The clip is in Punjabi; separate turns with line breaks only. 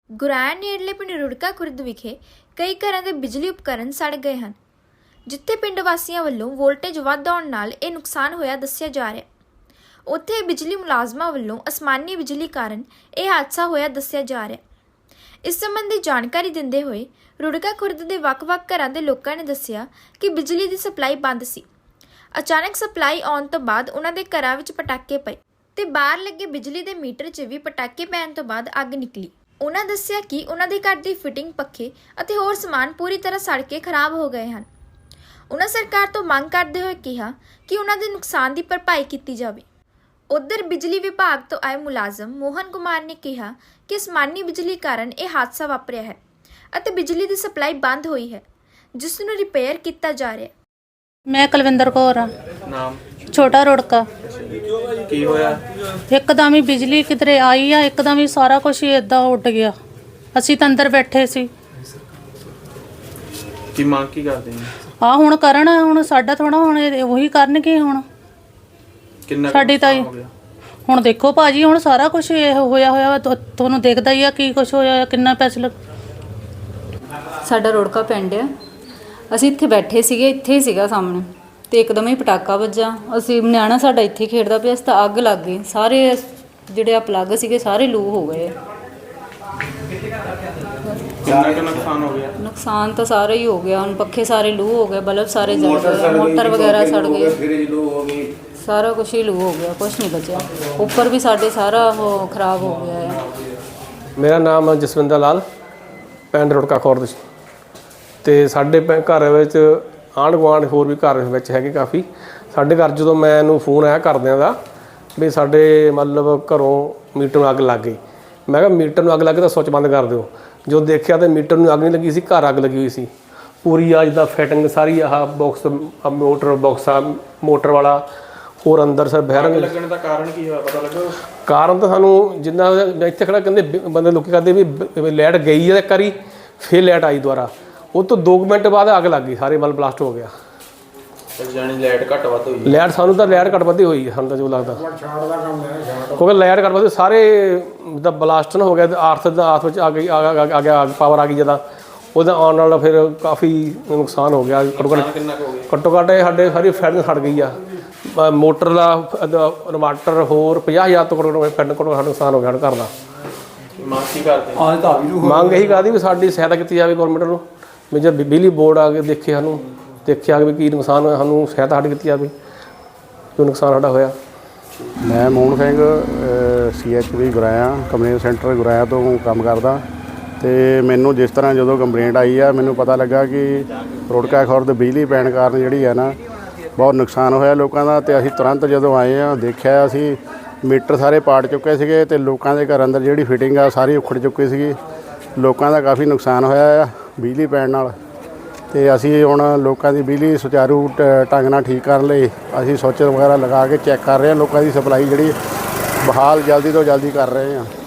ਗੁਰਾਇਆ ਨੇੜਲੇ ਪਿੰਡ ਰੁੜਕਾ ਖੁਰਦ ਵਿਖੇ ਕਈ ਘਰਾਂ ਦੇ ਬਿਜਲੀ ਉਪਕਰਨ ਸੜ ਗਏ ਹਨ, ਜਿੱਥੇ ਪਿੰਡ ਵਾਸੀਆਂ ਵੱਲੋਂ ਵੋਲਟੇਜ ਵੱਧ ਆਉਣ ਨਾਲ ਇਹ ਨੁਕਸਾਨ ਹੋਇਆ ਦੱਸਿਆ ਜਾ ਰਿਹਾ। ਉੱਥੇ ਬਿਜਲੀ ਮੁਲਾਜ਼ਮਾਂ ਵੱਲੋਂ ਅਸਮਾਨੀ ਬਿਜਲੀ ਕਾਰਨ ਇਹ ਹਾਦਸਾ ਹੋਇਆ ਦੱਸਿਆ ਜਾ ਰਿਹਾ। ਇਸ ਸੰਬੰਧੀ ਜਾਣਕਾਰੀ ਦਿੰਦੇ ਹੋਏ ਰੁੜਕਾ ਖੁਰਦ ਦੇ ਵੱਖ-ਵੱਖ ਘਰਾਂ ਦੇ ਲੋਕਾਂ ਨੇ ਦੱਸਿਆ ਕਿ ਬਿਜਲੀ ਦੀ ਸਪਲਾਈ ਬੰਦ ਸੀ। ਅਚਾਨਕ ਸਪਲਾਈ ਆਉਣ ਤੋਂ ਬਾਅਦ ਉਹਨਾਂ ਦੇ ਘਰਾਂ ਵਿੱਚ ਪਟਾਕੇ ਪਏ ਤੇ ਬਾਹਰ ਲੱਗੇ ਬਿਜਲੀ ਦੇ ਮੀਟਰ 'ਚ ਵੀ ਪਟਾਕੇ ਪੈਣ ਤੋਂ ਬਾਅਦ ਅੱਗ ਨਿਕਲੀ। ਉਹਨਾਂ ਦੱਸਿਆ ਕਿ ਉਹਨਾਂ ਦੇ ਘਰ ਦੀ ਫਿਟਿੰਗ, ਪੱਖੇ ਅਤੇ ਹੋਰ ਸਮਾਨ ਪੂਰੀ ਤਰ੍ਹਾਂ ਸੜ ਕੇ ਖਰਾਬ ਹੋ ਗਏ ਹਨ। ਉਹਨਾਂ ਸਰਕਾਰ ਤੋਂ ਮੰਗ ਕਰਦੇ ਹੋਏ ਕਿਹਾ ਕਿ ਉਹਨਾਂ ਦੇ ਨੁਕਸਾਨ ਦੀ ਭਰਪਾਈ ਕੀਤੀ ਜਾਵੇ। ਉੱਧਰ ਬਿਜਲੀ ਵਿਭਾਗ ਤੋਂ ਆਏ ਮੁਲਾਜ਼ਮ ਮੋਹਨ ਕੁਮਾਰ ਨੇ ਕਿਹਾ ਕਿ ਅਸਮਾਨੀ ਬਿਜਲੀ ਕਾਰਨ ਇਹ ਹਾਦਸਾ ਵਾਪਰਿਆ ਹੈ ਅਤੇ ਬਿਜਲੀ ਦੀ ਸਪਲਾਈ ਬੰਦ ਹੋਈ ਹੈ, ਜਿਸ ਨੂੰ ਰਿਪੇਅਰ ਕੀਤਾ ਜਾ ਰਿਹਾ ਹੈ।
मैं कुलविंदर कौर हाँ।
नाम
छोटा रुड़का।
की होया?
एकदम ही बिजली किधरे आई है, एकदम ही सारा कुछ ही इदा उड़ गया। असी तो अंदर बैठे सी।
की मांग की करते हैं?
हाँ हुण करन, हुण साडा थोड़ा हुण वही करनगे। हुण
किन्ना
साडी ताई हुण देखो भाजी, हुण सारा कुछ होया होया तुहानूं दिखदा ही आ की कुछ होया, किन्ना पैसे लग।
ਸਾਡਾ ਰੁੜਕਾ ਪਿੰਡ ਆ। ਅਸੀਂ ਇੱਥੇ ਬੈਠੇ ਸੀਗੇ, ਇੱਥੇ ਹੀ ਸੀਗਾ ਸਾਹਮਣੇ, ਤੇ ਇੱਕਦਮ ਹੀ ਪਟਾਕਾ ਵੱਜਾ। ਅਸੀਂ ਨਿਆਣਾ ਸਾਡਾ ਇੱਥੇ ਖੇਡਦਾ ਪਿਆ ਸੀ ਤਾਂ ਅੱਗ ਲੱਗ ਗਈ। ਸਾਰੇ ਜਿਹੜੇ ਆ ਪਲੱਗ ਸੀਗੇ ਸਾਰੇ ਲੂ ਹੋ ਗਏ।
किन्ना का नुकसान हो गया?
ਨੁਕਸਾਨ ਤਾਂ ਸਾਰਾ ਹੀ ਹੋ ਗਿਆ। ਹੁਣ ਪੱਖੇ ਸਾਰੇ ਲੂ ਹੋ ਗਏ, ਬਲਬ ਸਾਰੇ ਜਲ ਗਏ, ਮੋਟਰ ਵਗੈਰਾ ਸੜ ਗਏ, ਸਾਰਾ ਕੁਝ ਹੀ ਲੂ ਹੋ ਗਿਆ, ਕੁਝ ਨਹੀਂ ਬਚਿਆ। ਉੱਪਰ ਵੀ ਸਾਡੇ ਸਾਰਾ ਉਹ ਖਰਾਬ ਹੋ ਗਿਆ ਹੈ।
ਮੇਰਾ ਨਾਮ ਜਸਵਿੰਦਰ ਲਾਲ, ਪਿੰਡ ਰੁੜਕਾ ਖੁਰਦ। ਤੇ ਸਾਡੇ ਘਰ ਵਿੱਚ ਆਂਢ ਗੁਆਂਢ ਹੋਰ ਵੀ ਘਰ ਵਿੱਚ ਹੈਗੇ ਕਾਫੀ। ਸਾਡੇ ਘਰ ਜਦੋਂ ਮੈਨੂੰ ਫੋਨ ਆਇਆ ਘਰਦਿਆਂ ਦਾ ਵੀ ਸਾਡੇ ਮਤਲਬ ਘਰੋਂ ਮੀਟਰ ਨੂੰ ਅੱਗ ਲੱਗ ਗਈ, ਮੈਂ ਕਿਹਾ ਮੀਟਰ ਨੂੰ ਅੱਗ ਲੱਗ ਗਈ ਤਾਂ ਸੁੱਚ ਬੰਦ ਕਰ ਦਿਓ। ਜੋ ਦੇਖਿਆ ਤਾਂ ਮੀਟਰ ਨੂੰ ਅੱਗ ਨਹੀਂ ਲੱਗੀ ਸੀ, ਘਰ ਅੱਗ ਲੱਗੀ ਹੋਈ ਸੀ ਪੂਰੀ। ਆ ਜਿੱਦਾਂ ਫਿਟਿੰਗ ਸਾਰੀ ਆਹ ਬਾਕਸ, ਮੋਟਰ ਬਾਕਸ ਆ ਮੋਟਰ ਵਾਲਾ, ਹੋਰ ਅੰਦਰ ਸਰ ਬਹਿਰੰਗ
ਲੱਗਣ ਦਾ ਕਾਰਨ ਕੀ ਹੋਇਆ ਪਤਾ ਲੱਗਾ?
ਕਾਰਨ ਤਾਂ ਸਾਨੂੰ ਜਿੰਨਾ ਇੱਥੇ ਖੜਾ ਕਹਿੰਦੇ ਬੰਦੇ ਲੋਕੀ ਕਹਿੰਦੇ ਵੀ ਲਾਈਟ ਗਈ ਹੈ ਇੱਕ ਵਾਰੀ, ਫਿਰ ਲਾਈਟ ਆਈ ਦੁਬਾਰਾ। ਉਹ ਤੋਂ 2 ਮਿੰਟ ਬਾਅਦ ਅੱਗ ਲੱਗ ਗਈ, ਸਾਰੇ ਮਤਲਬ ਬਲਾਸਟ ਹੋ ਗਿਆ।
ਜਾਨੀ ਲਾਈਟ ਘੱਟ ਵੱਧ ਹੋਈ?
ਲਾਈਟ ਸਾਨੂੰ ਤਾਂ ਲਾਈਟ ਘੱਟ ਵੱਧ ਹੋਈ ਹੈ, ਸਾਨੂੰ ਤਾਂ ਜੋ ਲੱਗਦਾ, ਕਿਉਂਕਿ ਲਾਈਟ ਘੱਟ ਵੱਧ ਸਾਰੇ ਜਿੱਦਾਂ ਬਲਾਸਟ ਨਾ ਹੋ ਗਿਆ, ਆਰਥ ਵਿੱਚ ਆ ਗਈ, ਆ ਗਿਆ ਪਾਵਰ ਆ ਗਈ ਜਦੋਂ, ਉਹਦਾ ਆਉਣ ਨਾਲ ਫਿਰ ਕਾਫੀ ਨੁਕਸਾਨ ਹੋ ਗਿਆ। ਘੱਟੋ ਘੱਟ ਸਾਡੇ ਸਾਰੀ ਫੈਨ ਸੜ ਗਈ ਆ। ਮੋਟਰ ਦਾ ਇਨਵਰਟਰ ਹੋਰ 50,000 ਤੋਂ ਫੈਨ ਸਾਡਾ ਨੁਕਸਾਨ ਹੋ ਗਿਆ ਘਰ ਦਾ।
ਮੰਗ ਕੀ ਕਰਦੇ?
ਮੰਗ ਇਹੀ ਕਰਦੀ ਵੀ ਸਾਡੀ ਸਹਾਇਤਾ ਕੀਤੀ ਜਾਵੇ ਗੌਰਮੈਂਟ ਨੂੰ, ਵੀ ਜੇ ਬਿਜਲੀ ਬੋਰਡ ਆ ਕੇ ਦੇਖੇ, ਸਾਨੂੰ ਦੇਖਿਆ ਵੀ ਕੀ ਨੁਕਸਾਨ ਹੋਇਆ, ਸਾਨੂੰ ਸਹਾਇਤਾ ਸਾਡੀ ਕੀਤੀ ਜਾਵੇ ਜੋ ਨੁਕਸਾਨ ਸਾਡਾ ਹੋਇਆ।
ਮੈਂ Mohan Singh CHP Guraya, complaint centre Guraya ਤੋਂ ਕੰਮ ਕਰਦਾ। ਅਤੇ ਮੈਨੂੰ ਜਿਸ ਤਰ੍ਹਾਂ ਜਦੋਂ ਕੰਪਲੇਂਟ ਆਈ ਆ, ਮੈਨੂੰ ਪਤਾ ਲੱਗਾ ਕਿ ਰੁੜਕਾ ਖੁਰਦ ਬਿਜਲੀ ਪੈਣ ਕਾਰਨ ਜਿਹੜੀ ਹੈ ਨਾ ਬਹੁਤ ਨੁਕਸਾਨ ਹੋਇਆ ਲੋਕਾਂ ਦਾ। ਅਤੇ ਅਸੀਂ ਤੁਰੰਤ ਜਦੋਂ ਆਏ ਹਾਂ ਦੇਖਿਆ, ਅਸੀਂ ਮੀਟਰ ਸਾਰੇ ਪਾੜ ਚੁੱਕੇ ਸੀਗੇ ਅਤੇ ਲੋਕਾਂ ਦੇ ਘਰ ਅੰਦਰ ਜਿਹੜੀ ਫਿਟਿੰਗ ਆ ਸਾਰੀ ਉਖੜ ਚੁੱਕੀ ਸੀਗੀ। ਲੋਕਾਂ ਦਾ ਕਾਫੀ ਨੁਕਸਾਨ ਹੋਇਆ ਆ ਬਿਜਲੀ ਪੈਣ ਨਾਲ। ਅਤੇ ਅਸੀਂ ਹੁਣ ਲੋਕਾਂ ਦੀ ਬਿਜਲੀ ਸੁਚਾਰੂ ਢੰਗ ਨਾਲ ਠੀਕ ਕਰਨ ਲਈ ਅਸੀਂ ਸੁੱਚ ਵਗੈਰਾ ਲਗਾ ਕੇ ਚੈੱਕ ਕਰ ਰਹੇ ਹਾਂ। ਲੋਕਾਂ ਦੀ ਸਪਲਾਈ ਜਿਹੜੀ ਬਹਾਲ ਜਲਦੀ ਤੋਂ ਜਲਦੀ ਕਰ ਰਹੇ ਹਾਂ।